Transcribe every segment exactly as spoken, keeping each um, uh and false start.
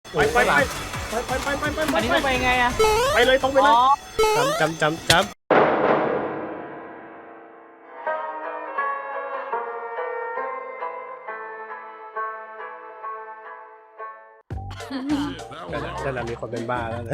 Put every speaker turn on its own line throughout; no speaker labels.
ไปไปไปไปไปไปไปไป
อันนี้ต้องไปยังไงอะ
ไปเลยตรงไปเลย
อ๋อ
จำจำจำจำนั่นแหละมีคนเป็นบ้าแล้วนะ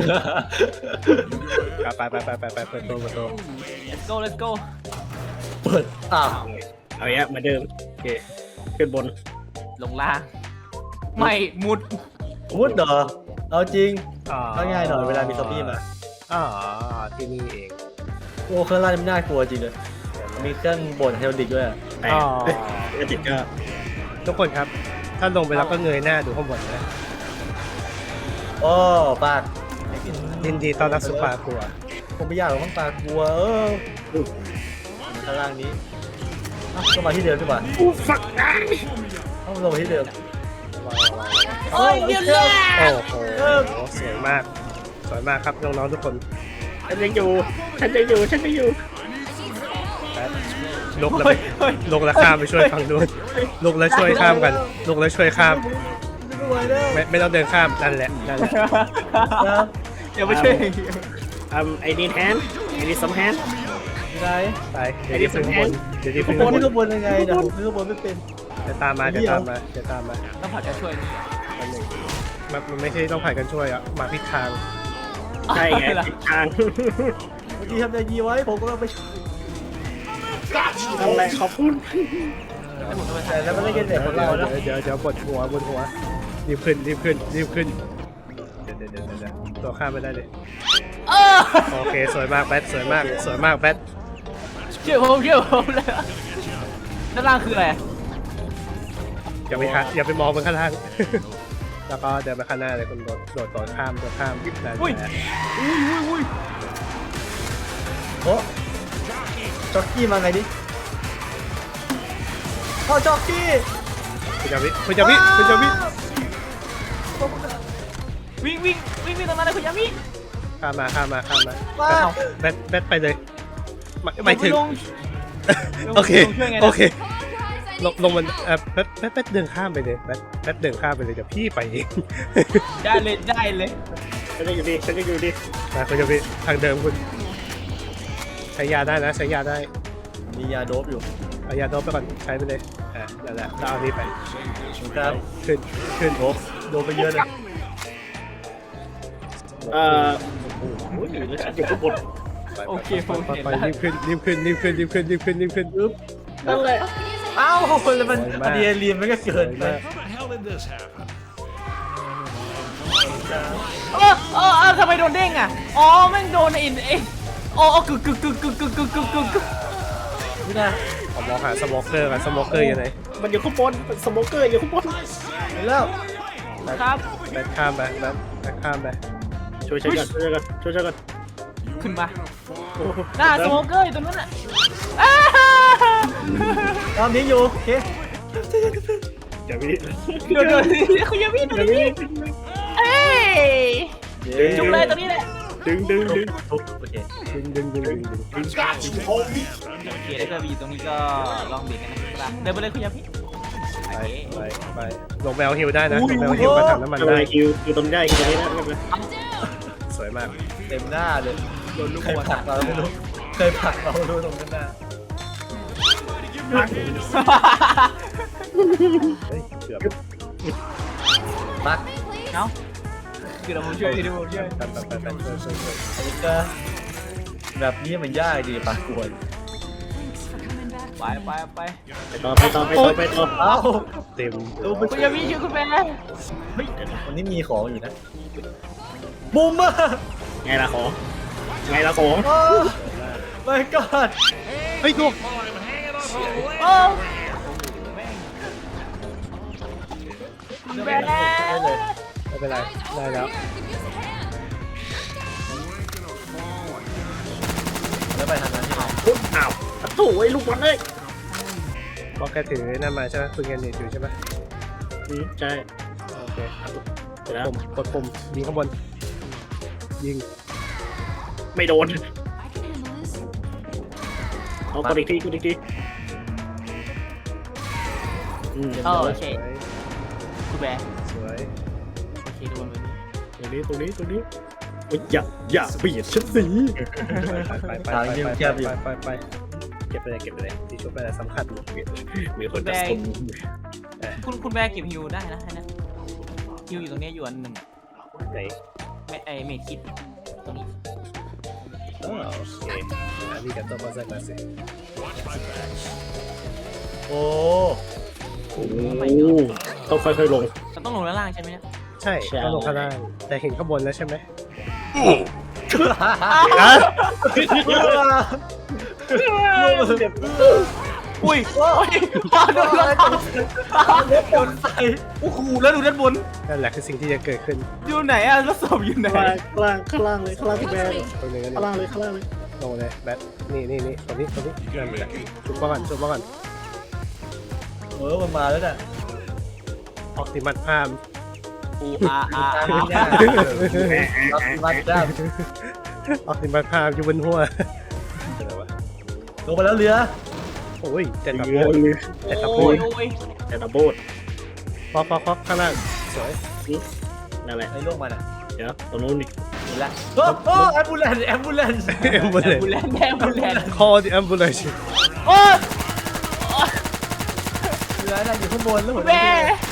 ไปไปไปไปไปเปิดตัวเปิดตัว
let's go let's go
เปิดอ้าว
เอาอย่างเหมือนเดิมโอเคขึ้นบน
ลงล่างไม่มุด
มุดเหรอเอาจริง
อ๋อ
ก็ง่ายหน่อยเวลามีซอมบี้มา
อ๋อที่นี่เอง
โอ้เครื่องล่างนี่ไม่น่ากลัวจริงเลยมีเครื่องบดเฮลดิกด้วยอะ
แต่
อ๋อ
ก็ติดก็
ทุกคนครับ ถ้าลงไปแล้วก็เงยหน้าดูข้างบนนะ
โอ้ปาก
ยินดีต้อนรับสุภาครัว
คงไม่ยากหรอกมั้งปากกลัวเออข้างล่างนี้เอ้าก็มาที่เดิมดีกว่า
อู้ฟักได้
ต้องลงมาที่เดิม
โอ้ยเดี๋ยวเลย
โอ้โหสวยมากสวยมากครับน้องๆทุกคน
ฉันยังอยู่ฉันยังอยู่ฉันยังอยู่
ลกแล้วไปลกแล้วข้ามไปช่วยฝั่งนู้นลกแล้วช่วยข้ามกันลกแล้วช่วยข้าม
ไม่ไหวแล้ว
ไม่ไม่ต้องเดินข้ามนั่นแหละนั่นแหละ
นะ
เดี๋ยวไปช่วย
อืมไอ้นี่แฮนไอ้นี่สมแฮน
ยังไง
ไปเดี๋ยวที่พึ่งข้างบนเดี๋ยวที่พึ่ง
บ
ข้าง
น
บน
ข้างบนยังไงนะผมขึ้นข้างบนไม่เป็น
จะตามมาจะตามมาจะตามมา
ต้องผัดกันช่วย
อันหนึ่งมันมันไม่ใช่ต้องผ่านกันช่วยอ่ะมาผิดทาง
ใช่ไงทิศทาง
เมื่อกี้ทำใจยีไว้ผมก็ไป
นั่นแหละขอบคุณ
แต่แล้วมันเล่นกันแต่ของเรานะ
เดี๋ยวเดี๋ยวบนหัวบนหัวรีบขึ้นรีบขึ้นรีบขึ้นเดี๋ยวเดี๋ยวเดี๋ยวเดี๋ยวตัวข้ามไม่ได้เลย
เออ
โอเคสวยมากแบทสวยมากสวยมากแบท
เชื่อผมเชื่อผมเลยด้านล่างคืออะไร
อย่าไปค่ะอย่าไปมองบนข้างล่าง แล้วก็เดินไปข้างหน้าเลยคุณโดดโดดโดดข้ามโดดข้ามนั่น
อุ้ย
แหละ
อุ้ยอุ้ยอุ้ย
โอ้จ็อกกี้มาไงดิพ่อจ็อกกี้
คุณจาวิคุณจาวิคุณจาวิ
วิ่งวิ่งวิ่งวิ่งตรงนั้นเลยคุณยามิ
ข้ามมาข้ามมาข้ามมา
มา
แบทแบทไปเลยไม่ไม่ถึง
ลง
โอเค
ลงช่วยไงนะ
โอเคลงลงมันเออแบทแบทแบทเดินข้ามไปเลยแบทแบทเดินข้ามไปเลยเดี๋ยวพี่ไปเอง
ได้เลยได้เลย
ฉันยังอยู่ดีฉันยังอยู่ดี
มาคุณจาวิทางเดิมคุณใช้ยาได้นะใช้ยาได้
มียาโดบอยู่
เอายาโดบไปก่อนใช้ไปเลยอ่านั่นแหละแล้วเอานี้ไป
ครับ
ขึ้นขึ้น
โดบโดบไปเยอะเลย
เอ่อโอ้โหแล้วฉันอยู่ข้างบน
ไป
โอเคผม
ไป
เห็น
ไป
แล้ว
รีบขึ้นรีบขึ้นรีบขึ้นรีบขึ้นรีบขึ้นรีบขึ้นอึ๊บ
นั่นแหละ
อ้าวคนละมัน
สวยมาก
อะดรีนาลีนมันก็เกินไป
How the hell did this happen?
เออเออเออทำไมโดนเด้งอ่ะอ๋อแม่งโดนไอ้ไอ้อ๋ออกึกกึกกึกกึกกึกกึกกึกกึกกึก
นี่นะ
ผมมองหาสโมเกอร์กันสโมเกอร์อยู่ไหน
มันอยู่ข้างบนสโมเกอร์อยู่ข้างบน
เห็นแล้ว
ครับ
แบทข้ามไปแบทแบทข้ามไป
ช่วยฉันก่อนช่วยฉันก่อนช่วยฉันก่อน
ขึ้นมา
โอ้โ
หน้าสโมเกอร์อยู่ตรงนั้นอ่ะอ้า
ตามนี้อยู่โอเค
อย่าวิ
เดี๋ยวเดี๋ยวคุณยามิดู
อย่า
ดิ
วิ
เอ้ยจุกเลยตรงนี้แหละ
ดึงดึงดึง
ทุบโอเค
ดึงดึงดึงดึงดึง
โอเคแล้วก็มีตรงนี้ก็ลองเบียดกันนะครับเดินไปเลยคุณยามิ
ไปไปไปลงไปเอาฮิวได้นะลงไปเอาฮิวมาถังน้ำมัน
ทำ
ได้
ไมคิวคิวตรงได้คิวตรงนี้นะไม่เป็นไร
สวยมาก
เต็มหน้าเลย
โดนลูก
เคย
หัว
ผลักเราไม่รู้เคยผลักเราไม่รู้ตรงนั้นหน้า
เฮ้ยเกือบ
ปัก
เอ้าคือเราผมช่วยที่ดูผมช่วย
ไปไปไปไปช่วยช่วยช่วย
อันนี้ก็แบบนี้มันยากดีปากกวน
ไปไปไป
ไปต่อไปต่อไปต่อไปต่อ
เอ้า
เต็ม
ดูไป
คุณยามิช่วยคุณแม่
เฮ้ยวันนี้มีของอยู่นะบูมเมอร์
ไงล่ะของไงล่ะของ
โอ้ my god
เฮ้ยลูก
โอ้แม่
ได้เลย
ไม่เป็นไรได้แล้ว
แล้วไปทางนั้นใช่ไหม
อุ๊ยอ้าวโถ่ไอ้ลูกบอลเลย
เพราะแกถือนั่นมาใช่ไหมคุณเงินนี่ถือใช่ไหม
อืมใช่
โอเค
เสร็จแล้ว
ปุ่มกดปุ่มยิงข้างบนยิง
ไม่โดนเอากดอีกทีกดอีกทีอืม
โอเค
สวย
คุณแม่
สวย
โอเค
เคโดนไปนี่
ตรงนี้ตรงนี้ตรงนี้โอ้ยอย่าอย่าเบียดฉันสิ
ไปไปไปไปไปไปไปเก็บไปเลยเก็บไปเลยที่ชุบไปเลยสำคัญ
มีคนจะสน
คุณคุณแม่เก็บฮิวได้นะให้นะฮิวอยู่ตรงนี้อยู่อันหนึ่ง
ไหน
แม่ไอเมดคิดตรงนี้
อ๋อโอเคอันนี้กับตัวมาสักมาสิ
โอ้
โอ้ต้องค่อยๆลง
เราต้องลงด้านล่างใช่ไหมเนี่ย
ใช่ต้องลงข้างล่างแต่เห็นข้างบนแล้วใช่ไหม
อุ้ยโอ้ยโดนรถโดนใส่โอ้โหแล้วดูด้านบน
นั่นแหละคือสิ่งที่จะเกิดขึ้น
อยู่ไหนอะรถศพอยู่ไหน
ข้างล่างข้างล่างเลยข้างล่างพี่แบร์
ตรงนี้กัน
ข้างล่างเลยข้างล่างเลย
ลงเลยแบทนี่นี่นี่ตรงนี้ตรงนี้นั่นแหละชุบมาก่อนชุบมาก่อน
เออมันมาแล้วน่ะ
ออกติมัดพาม
อูอาอา
ตาม
อา
เนี่ยรับมาจ้า
ออกติมัดพามอยู่บนหัวอะไรวะ
ลงมาแล้วเรือ
โอ้ยเจ็ดตะ
เรื
โพ
อน เลย
เจ็ดตะโพ
โอ้
น
ยโอ้ย
แต่ตะโบด
ฟอกฟอกฟอกข้างล่างสวย
นั่นแหละ
ไอ้ลงมาน่ะ
เดี๋ยวตรงนู้นนี่
เห็นแล้วโอ้โหแอมบูเลนแอมบูเลน
แอมบูเล
บุ
น
แลนแดงบุแลน
call the ambulance
โอ้ย
เรือน่ะอยู่ข้างบนแล้วหัว
แม่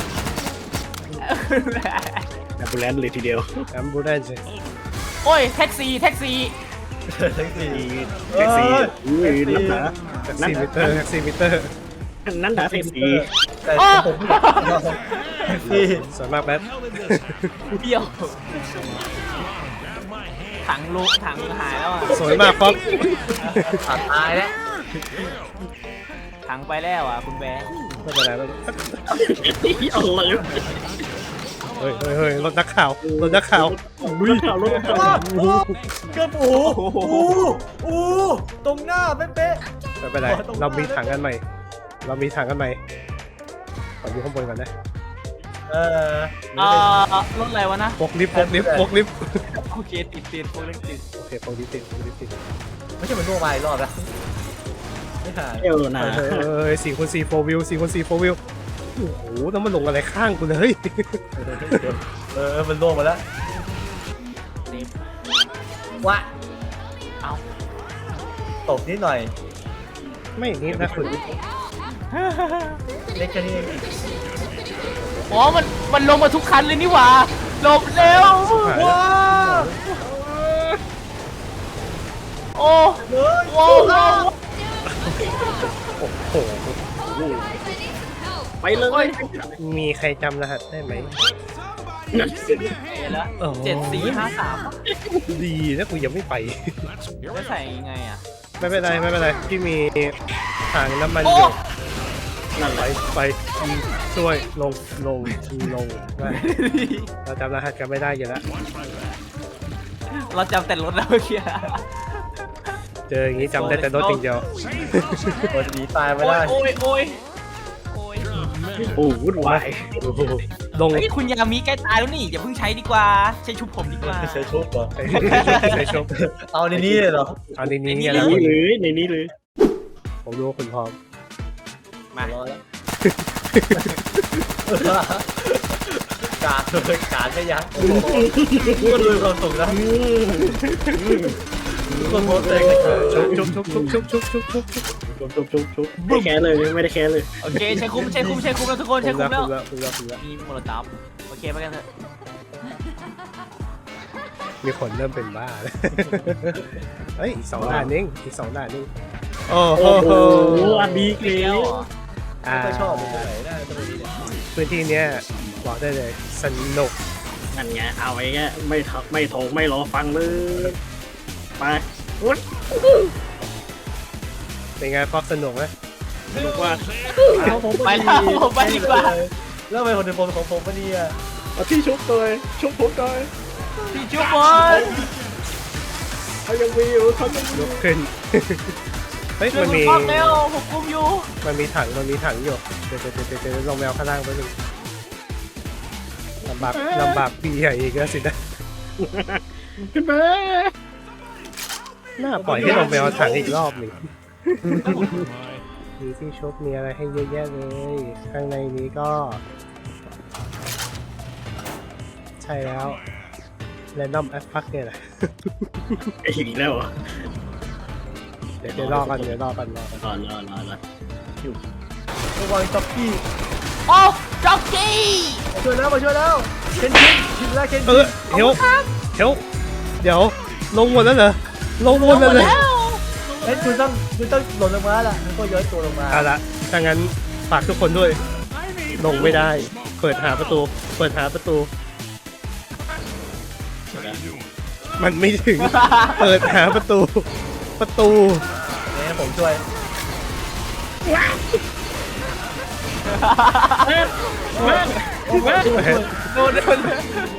แอมบูแลนซ์เลยทีเดียว
ambulance
โอ้ยแท็กซี่แท็กซี่
ทั้งสี่
แท็กซี่อุ้ยนั่นหนา
แท็ก
นั่น
ซี่
ห
มิ
นา
เตอร์แท็กซี่มิเตอร์
นั่นหนาแท็กซี่
แต่ผมแท็กซี่
สวยมากแบท
เบี้ยวถังลุถังหายแล้วอ่ะ
สวยมากฟอก
ขาดตายแล้ว
ถังไปแล้วอ่ะคุณแบร์
ไม่เป็นไรไม่เป็นไร
เอาเลย
เฮ้ยเฮ้ยเฮ้ยรถนักข่าวรถนักข่าว
ลุยข่าวรถข่าว
โอ้โหเกือบโอ้โหโอ้โหตรงหน้าเป๊ะ
ไม่เป็นไรเรามีถังกันใหม่ เรามีถังกันใหม่ขออยู่ข้างบนก่อนนะ
ๆเออ
เอ่อรถอะไรวะนะ
ปกลิฟต์ปกลิฟต์ปกลิฟต์
โอเคติดติดโปรเล็กติด
โอเคปกลิฟต์ติดปกลิฟต์ติด
ไม่ใช่มันล่วงมาอีกรอบแล้วไม่หาย
เอวนะ
เฮ้ยเฮ้ยสี่คูณสี่โฟวิวสี่คูณสี่โฟวิวโอ้โหต้องมาลงอะไรข้างกูเลย
เออมันล่วงมาแล้ว
เต็ม
วะ
เอา
ตกนิดหน่อย
ไม่นิดนะคุณ
เล็กแค่นี้เอง
อ๋อมันมันลงมาทุกคันเลยนี่หว่าหลบเร็ว
ว้า
โอ้
เฮ้ย
โอ้โห
โอ้โห
ไปเลย
มีใครจำรหัสได้ไหม
เห็นแล้วเจ็ดสี่ห้าสาม
ดีนะกูยังไม่ไป
จะใส่ยังไงอ่ะ
ไม่เป็นไรไม่เป็นไรพี่มีถังน้ำมัน
โอ้
อยู่
นั่นแห
ไป
ละ
ไปช่วยลงลงลงได้เราจำรหัสกันไม่ได้อยู่แล้ว
เราจำแต่รถแล้วเมื่อกี้
เจออย่างนี้จำได้แต่รถอย่างเดียว
คนหนีตายไม่
โอ้
ได้
ยโอ้ยโอ้ยโอ้ย
โอ้วุ่นวาย
ลง
เฮ้ยคุณยามีใกล้ตายแล้วนี่อย่าเพิ่งใช้ดีกว่าใช้ชุบผมดีกว่า
ใช้ชุบเหรอ
ใส่ใส่ชม
เอาในนี้เลยเหรอ
เอาในนี้
ใน
เนี่ยนะ
นี้เลยในนี้เลย
ผมรู้ว่าคุณพร้อม
มา
ร้อยแล้วกาดเลยกาดไม่ยั้งโอ้โหก็ดูความสุขนะคนโพสเองเลย
ชุบชุบชุบชุบชุบชุบชุบชุบ
ชุบชุบชุบชุบไม่แค่เลยไม่ได้แค่เลย
โอเคใช้คุ้มใช้คุ้มใช้คุ้มแล้วทุกคนใช้
คุ
คุ้
ณ
ม
แล้
แล้ว ว
คุณแล้วคุณแล้วคุณแล้ว
มีโมโลตอฟโอเคไปกันเถอะ
มีคนเริ่มเป็นบ้าแล้วเฮ้ยอีกสองด่านเองอีกสองด่านเองโอ้โห
โอ้โหอันดีเกลี
แล้
ยว ว
เหรอ
อ่า
ไม่ชอบเลยไหนได้ตรงนี้เนี่ย
พื้นที่เนี้ยบอกได้เลยสนุก
นั่นไงเอาไอ้แกไม่ทักไม่โถงไม่รอฟังเลยไปวุ้น
เป็นไงฟอกสนุกไหม
สนุกว่า
ไปแล้วผมไปดีกว่า
แล้วทำไมคนในโพสของผมปะเนี่ย
เอาที่ชุบตัวชุบผมหน่อย
พี่ชุบบอล
เขายังมีอยู่เขายังมี
ยกขึ้น เฮ้ย
ช่วย
มัน
ผม
มี
ฟังเร็วผมคุมอยู่
มันมีถังมันมีถังอยู่เดี๋ยวเดี๋ยวเดี๋ยวเดี๋ยวลงแมวข้างล่างไปหนึ่งลำบากลำบากปีใหญ่อีกแล้วสินะ
ขึ้นมา
น่าปล่อยให้ลงแมวถังอีกรอบหนึ่งมีที่ชกมีอะไรให้เยอะแยะเลย ข้างในนี้ก็ ใใช่แล้วแรนดอมแอปพักเนี่ยแหละ
ไอ้อีกแล้วเหรอ
เดี๋ยวเดี๋ยวรอกันเดี๋ยวรอกันรอกัน
รอรอรอรอ
ระวังจ็อกกี้
โอ้จ็อกกี้
มาช่วยแล้วมาช่วยแล้วเคนชินชินแล้วเคน
เอ
ชิ
อน เดี๋ยวเดี๋ยวเดี๋ยวลงหมดแล้วเหรอลงหมดแล้วเหรอ
เฮ้ยคุณต้องคุณต้องหล่นลงมาล่ะแล้วก็ย้อยตัวลงมา
เอาละถ้างั้นฝากทุกคนด้วยลงไม่ได้ เปิดหาประตู เปิดหาประตู มันไม่ถึง เปิดหาประตู ประตู
เนี่ยผมช่วย
เว้นเว้นเว้น
โดนโดน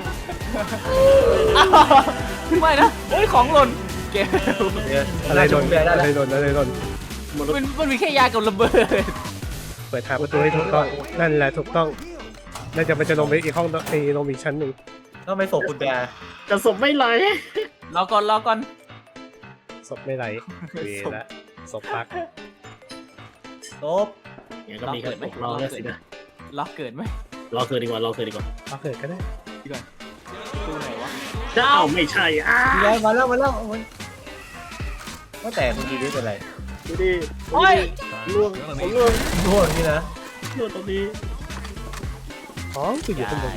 ไม่นะเฮ้ยของหล่นเกม
เนี่ย
อะไรโดน
แบได้
อะไร
แล้ว
โดนอะไรโดน
มันมันมีแค่ยากับระเบิด
เปิดหาประตูให้ถูกต้อง นั่นแหละถูกต้องน่าจะมันจะลงไปอีกห้องไอ้ลงอีกชั้นหนึ่ง
ต้องไปส่งคุณแบร์
กระสบไม่ไหล
รอก่อนรอก่อน
ศพไม่ไหลเวละศพปัก
ลบ
อย่างก็มีแค่รอแล้วสินะ
ล็อกเกิดไหม
รอคืนดีกว่ารอคืนดีกว่า
เอาเกิดก็ได้
ตู้ไหนวะ
เจ้าไม่ใช่อ้า
ย้ายมาแล้วมาแล้วโอ้ยว่าแต่คุณดีนี่เป็นไร
ดูดิ
โอ้ย
ล่วงผมล่วง
ร่วงนี่นะ
ล่วงตรงนี้
อ๋อกูอยู่ข้างบน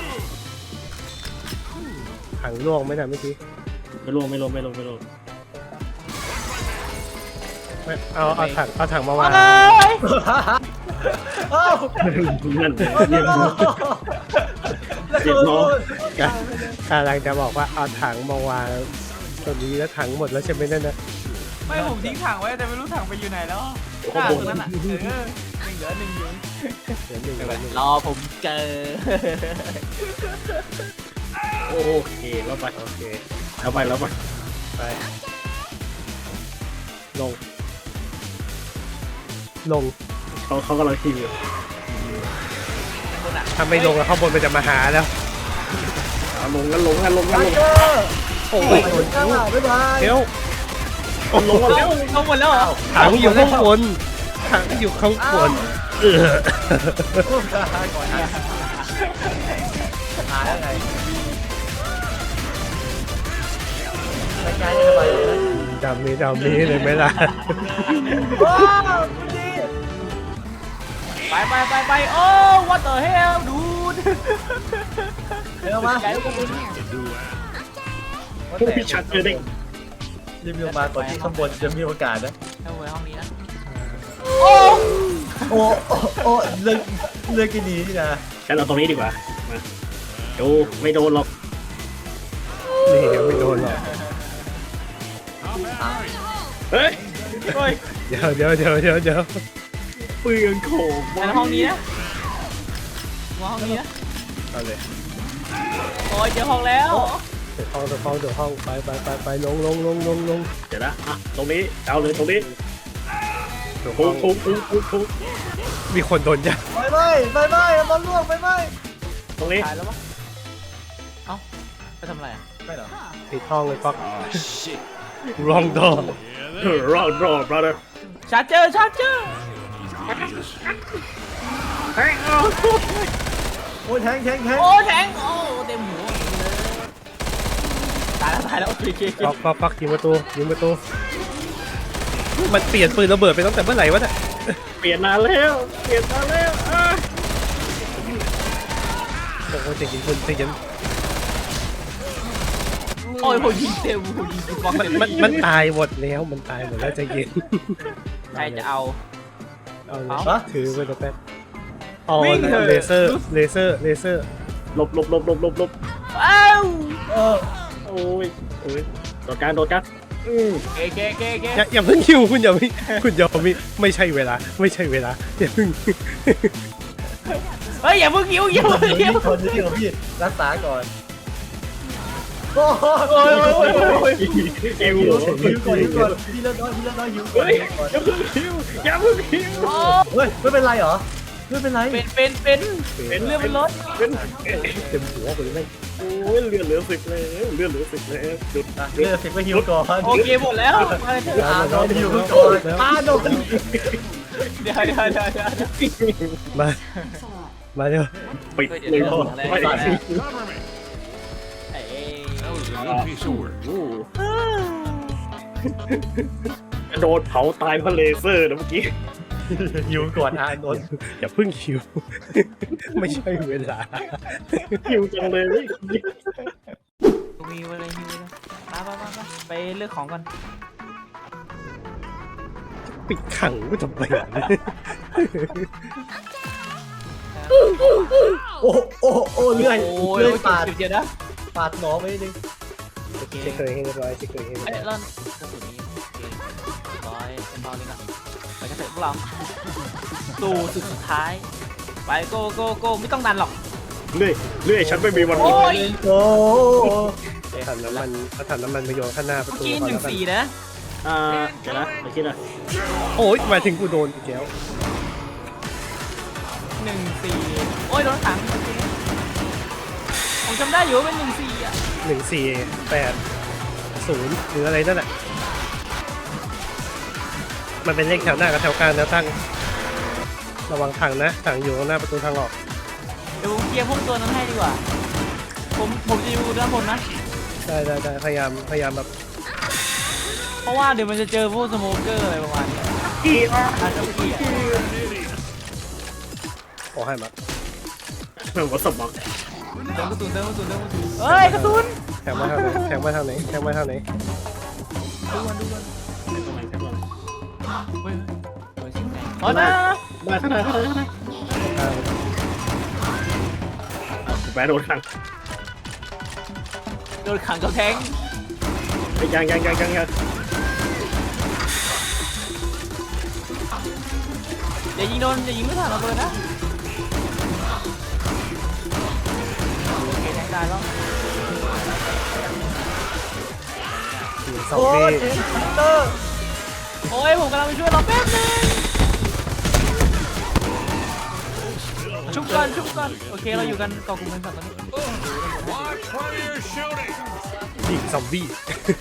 ถังล่วงไหมนะเมื่อกี้
ไม่ล่วงไม่ล่วงไม่ล่วงไม่ล่วง
ไม่เอาเอาถังเอาถังมาวาง
เอ้ย
เอ้า
นั่น
เรี
เรี
ย
ย
บ
ก
ร้อ
น้อง เรียบร้อย
กำลังจะบอกว่าเอาถังมาวางตรงนี้แล้วถังหมดแล้วใช่ไหมนั่นนะ
ไม่ผมทิ้งถังไว้แต่ไม่รู้ถังไปอยู่ไหนแล้ว
ข้าง
ต
บ
รง
น
นั้นอ่ะเออยังเหลือหนึ่งอยู่
เดี๋ยวหนึ่งเดี๋ยวหนึ่ง
รอผมเจอ
โอเคแล้วไป
โอเค
แล้วไปแล้วไป
ไปลง ลง
เขาเขากำลังขี่อยู่
ถ้าไม่ลงแล้วข้างบนมันจะมาหาแล้ว
เอาลงกันลงกันลงกัน
ไท
ลง
เกอร์
โอ้
โอ้
ย
ยข้างหลังบ๊ายบาย
เดี๋ยว
ลงกันแล้ว
เอาหมดแล้วเหรอ
ถังอยู่ข้างบนถังอยู่ข้างบนเออ
ก่อนนะหาได้ไงไม่ใช่ทำไมเลย
ดำนี้ดำนี้เลยไหมล่ะ
ว้าวคุณดี
ไปไปไปไปโอ้ what the hell dude
เดี๋ยวมา
ใหญ่กว่าคุณ
ผู้พิชัดเจอเด็ก
รีวิวมาก่อนที่ข้างบนจะมีโอกาสนะ
เอาไว้ห้องนี้นะ
โอ้โอ้โอ้เลือกเลือกกินดีนี่นะ
ฉันเอาตรงนี้ดีกว่ามาดูไม่โดนหรอก
นี่เดี๋ยวไม่โดนหรอก
เฮ้ย
โอ้ย
เดี๋ยวเดี๋ยวเดี๋ยวเดี๋ยวเดี๋ยว
เปลืองโขง
ในห้องนี้นะวางห้องนี้นะ
เอาเลย
โอ้ยเจอห้องแล้ว
เดี๋ยวห้องเดี๋ยวห้องเดี๋ยวห้องไปไปไปไปลงลงลงลงลง
เดี๋ยวนะอ่ะตรงนี้เอาเลยตรงนี้
เดี๋ยว
ทุ
ห้อบ ง
ทุบทุบทุบทุบ
มีคนโดนยัด
ไปไหมไปไหมบอลล่วงไปไหม
ตรงนี้
ตายแล้วปะเอ้าไปทำอะไรอ่ะ
ไม่หรอ
ปิดห้องเลยป๊อกรองดอ
รอดรอด brother
ชาร์เจอร์ชาร์เจอร์
เฮ้ยเอา
โอ้ยแทงแทงแทง
โอ้แทงโอ้เต็มหัวเลยตายแล้วตายแล้วโอเคโอเคโอเค
ป๊อกป๊อกป๊อกยิงประตูยิงประตูมันเปลี่ยนปืนระเบิดไปตั้งแต่เมื่อไหร่วะเนี่ย
เปลี่ยนนานแล้วเปลี่ยนนานแล้วอ่ะ
โอ้โหจะยิงคนจะยิง
โอ้ยผมยิงเต็มผมยิงบล็อก
มัน
เต็ม
มันมันตายหมดแล้วมันตายหมดแล้วใจะเย็น
ใครจะเอา
เอาเล
เอา
ยถือไปแล้วแป๊บอ๋อ
วิ่งเถอะ
เลเซอร์เลเซอร์เลเซอร์
หลบหลบหลบหลบหลบหลบ
อ้าว
เออ
โอ้ยโอ้ยโดดการโดดการอืม
เกเกเกเก
อย่าอย่าเพิ่งคิวคุณอย่าไม่คุณอย่าไม่ไม่ใช่เวลาไม่ใช่เวลาอย่าเพิ่ง
เฮ้ยอย่าเพิ่งยิ้วอย่าเพิ่ง
เดี๋ยว
ยิ้ว
นี่คนนี้ของพี่รักษาก่อนโอ้โห
โอ้ยโอ้ยโอ้ยโอ้ย
เอว
หิวก่อนหิวก่อนพี่เลิศน้อยพี่เลิศน้อยหิวก่อน
เฮ้ย
หิวก่อน
อย่าเพิ่งคิวอย่าเพิ่งคิว
โอ้
เฮ้ยไม่เป็นไรเหรอไม่เป็นไร
เป็นเป็นเป็น
เป็น
เรื่องเป็นรถ
เป็น
เต็มหัวไปเลย
โอ้ยเลือดเหลือสิบแล้วเลือดเหลือสิบแล้วหยุด
อ่ะเลือกสิบก็หิวก่อน
โอเคหมดแล้วมาเถอะ
อ่าโดนหิวก่อนอ่าโดน
เดี๋ยวเดี๋ยวเดี๋ยวเดี๋ยว
มามาเร็ว
ปิดเลย
เดี๋ยว
ไม่ได้
เดี๋ยว
one piece of work.
กระโดดเผาตายเพราะเลเซอร์นะเมื่อกี้
อยู่ก่อนอานนท์
อย่าเพึ่งคิว ไม่ใช่เวลา
หิวจังเลยนี่
มีอะไรมีอะไรมาไปไปไปเลือกของก่อน
ปิดขังไม่ทำไมอ่ะ
โอ้โอ้โอ้เลื่อย
โอ้ย
เลื่อยปาด
เดี๋ยวนะ
ปาดหนอไปนิดนึง
โอเค
เช็คเคยให้เรียบร้อยเช็คเคยให้เรียบ
เอ้ย
ร้อย
แล้วกระสุนนี้โอเคร้อยเป็นตอนนี้ละไปกันเถอะพวกเราสู่สุดสุดท้ายไปโกโกโกไม่ต้องดันหรอก
เลื่อยเลื่อยฉันไม่มีวันหม
โอ้
ด
ย
โอ้
ถังน้ำมันเอาถังน้ำมันไปโยนข้างหน้าประ
เมื่อ
ตู
กี้
ก่อ
ห
น
นึ่
แล้วกัน
งสี่นะ
อ่าเดี๋ยวนะไปคิดนะ
โอ้ยหมายถึงกูโดนอีกแล้ว
หนึ่งสี่โอ้ยโดนขังโอเคผมจำได้อยู่ว่าเป็นหนึ่งสี่อ่ะ
หนึ่งสี่แปดศูนย์หรืออะไรนั่นแหละมันเป็นเลขแถวหน้ากับแถวกลางแนวตั้งระวังถังนะถังอยู่ข้างหน้าประตูทางออก
เดี๋ยวผมเคลียร์พวกตัวนั้นให้ดีกว่า ผมผมจะอยู่ด้านบนนะ
ได้ได้ได้พยายามพยายามแบบ
เพราะว่าเดี๋ยวมันจะเจอพวกสโมเกอร์อะไรประมาณนี้
กี่อ่ะ
อาจจะเกลียด
ขอให้มา
หัวสมอง
เติมกระสุนเติมกระสุนเติมกระสุนเฮ้ยกระสุน
แทงมาทางไหนแทงมาทางไหนแทงมาทางไหน
ดูกันดูกัน
ตรงไหนตรงไหน
เฮ้ยเฮ้ยสิ่งไหนอ๋อนะ
ได้ข้างในข้างในข้างใน
ทาง
แปะโดนขัง
โดนขังกับแทง
ยังยังยังยังยัง
อย่ายิงโดนอย่ายิงไม่ทันเราเลยนะโอเคแทงได้แล้ว
สี่สอง
โอ้
ปี
ยเอ็นเตอร์
โอ้ยผมกำลังไปช่วยเราแป๊บนึงชุบก่อนชุบก่อนโอเคเราอยู่กันเกาะกลุ่มกันสัตว์ตอนนี้
Watch where you're shooting.
ยิงซอมบี้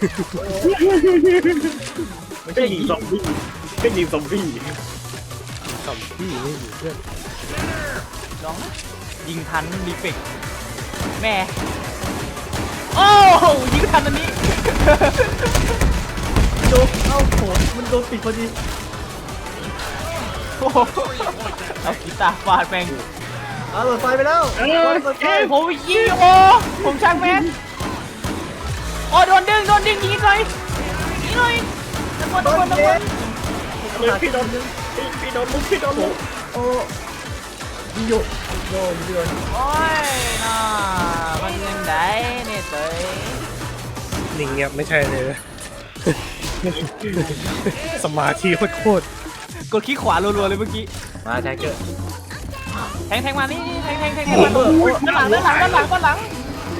ไม่ใช่ยิงซอมบี้แค่ยิงซอมบี้
ซอมบี้ไม่มีเพื่อน
ลองนะยิงทันดีเฟกต์แม่โอ้โหยิงทันอันนี้
โดนเอ้าโหมันโดนปิดพอดี
โอ้โหเอากีตาร์ฟาดแม่ง
เอาเปิดไฟไปแล้ว
เออ
เปิดไฟ
ผมยิงโอผมช่างแม่งโอ้โดนดึงโดนดึงยิงหน่อยยิงหน่อยตะโกนตะโกนตะโกน
เลยพี่โดนพี่โดนลุกพี่โดนลุก
โอ้ยิงอยู่โดนยิงโดน
โอ้ยน่ามันยังไงเนี่ยเตย
นิ่งเงียบไม่ใช่เลย สมาธิโคตร
กดคลิกขวารัวๆเลยเมื่อกี้
มาแทงเกอร์
แทงแทงมานี่แทงแทงแทงแทงมาด้านหลังด้านหลังด้านหลังด้านหลัง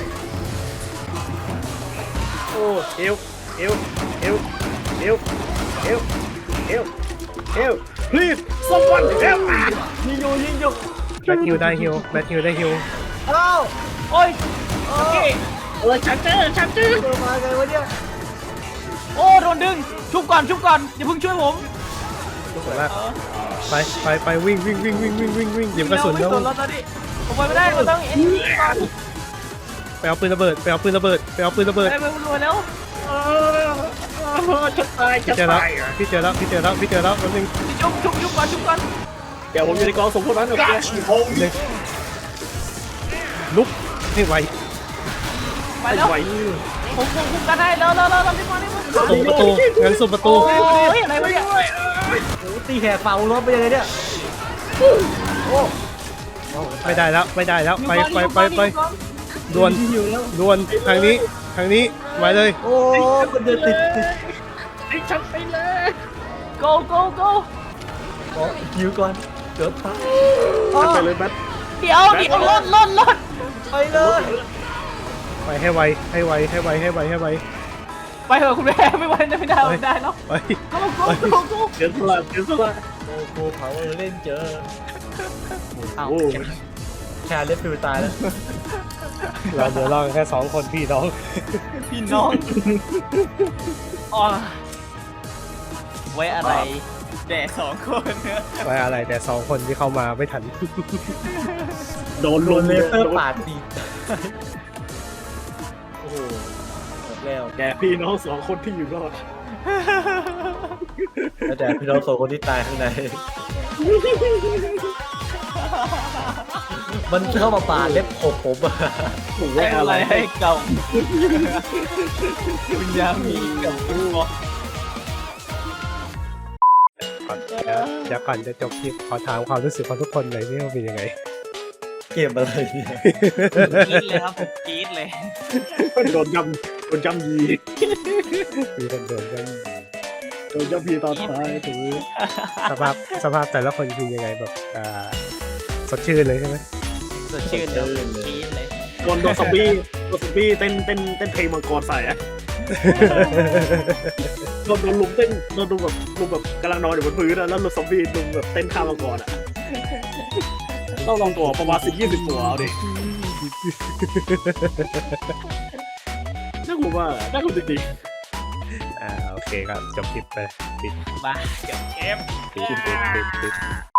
โอ้เอวเอวเอวเอวเอวเอวเอว please someone help me
ยิงอยู่ยิงอยู่
ๆแบทฮิวได้ฮิวแบทฮิวได้ฮิว
เอ้า
โอ้ยโอเค
เออฉันเจอฉันเจอ
เดินมาไงวะเนี่ย
โอ้โดนดึงชุบก่อนชุบก่อนอย่าเพิ่งช่วยผม
ถูกแล้วไปไปไปวิ่งวิ่งวิ่งวิ่งวิ่งวิ่งวิ่งหยิบกระสุน
ไม่
แล้ว
สนแล้วตอนนี้ผมไปไม่ได้ผมต้องเอ็นดีก่อน
ไปเอาปืนระเบิดไปเอาปืนระเบิดไปเอาปืนระเบิด
ไปไปรวยแล้ว
เออจะตายจะ
พี่เจอแล้ว
ตายอ่ะ
พี่เจอแล้วพี่เจอแล้วพี่เจอแล้วแป๊บนึง
ชุบชุบชุบก่อนชุบก่อน
เดี๋ยวผมอยู่ในกองสมพวกนั้นโอเค
หนึ่งลุกให้ไว
ไปแล้ว
ไหว
ผมผมคุมกันให้แล้วแล้วแล้วรีบมารีบมา
ส่งประตูงั้นส่งประตู
โอ้ยอะไรวะเนี่ย
โอ้ตีแหกเป่ารถไปยังไงเนี่ยโอ้
ไม่ได้แล้วไม่ได้แล้วไปไปไปไปด่วน
ยิงอยู่แล้ว
ด่วนทางนี้ทางนี้ไว้เลย
โอ้มันเดินติดติด
ไอ้ฉันไปเลย
โ go go go
ขอยิวก่อนเกือบตาย
ฉันไปเลยแบท
เดี๋ยวเดี๋ยวลดลดลด
ไปเลย
ไปให้ไวให้ไวให้ไวให้ไวให้ไว
ไปเถอะคุณแม่ไม่ไหวไม่ได้ไม่ได้เนาะ
ไป
go go go go
เดี๋ยวสละเดี๋ยวสละ
โอ้โหเผาเล่นเจอ
อ้าว
โอ้
แคร์เล็บฟิวตายแล้ว
เราเหลือเราแค่สองคนพี่น้อง
พี่น้องอ๋อไว้อะไรแด่สองคนเนี่ย
ไว้อะไรแต่สองคนที่เข้ามาไม่ทัน
โดน
โด
ลุ
น
ม
เล
เลย
เซอร์ปาดตีโอ้โหแล้ว
แกพี่น้องสองคนที่อยู่รอด
แล้วแต่พี่น้องสองคนที่ตายข้างใน มันเข้ามาปาดเล็บขบผมอะ
ผม
ให้
ว่า
อะ
อะไร ไร
ให้เก่าคุณยามีกับคุณบอก
ก่อนเดี๋ยวเดี๋ยวก่อนจะจบคลิปขอถามความรู้สึกของทุกคนหน่อยนี่ว่าเป็นยังไง
เกมอะไรเนี่ย
กรี๊ดเลยครับผมกรี๊ดเลย
โดนยำโดนยำยี
มีคนโดนกัน
โดนยำยีตอนท้ายถือ
สภาพสภาพแต่ละคนคือยังไงแบบอ่าสดชื่นเลยใช่ไหม
สดชื่นเลยกรี๊ดเลย
โดนโดนซอมบี้โดนซอมบี้เต้นเต้นเต้นเพลงมังกรใส่อะโดนโดนลุมเต้นโดนลุมแบบลุมแบบกำลังนอนอยู่บนพื้นอะแล้วโดนซอมบี้ลุมแบบเต้นข้ามมังกรอะต้องลองตัวประมาณสิบยี่สิบตัวเอาดิน่ากลัวมากอะน่ากลัวจริง
อ่าโอเคครับจบคลิปไปปิด
บ้าเก็บเก็บ
ปิดปิดปิดปิด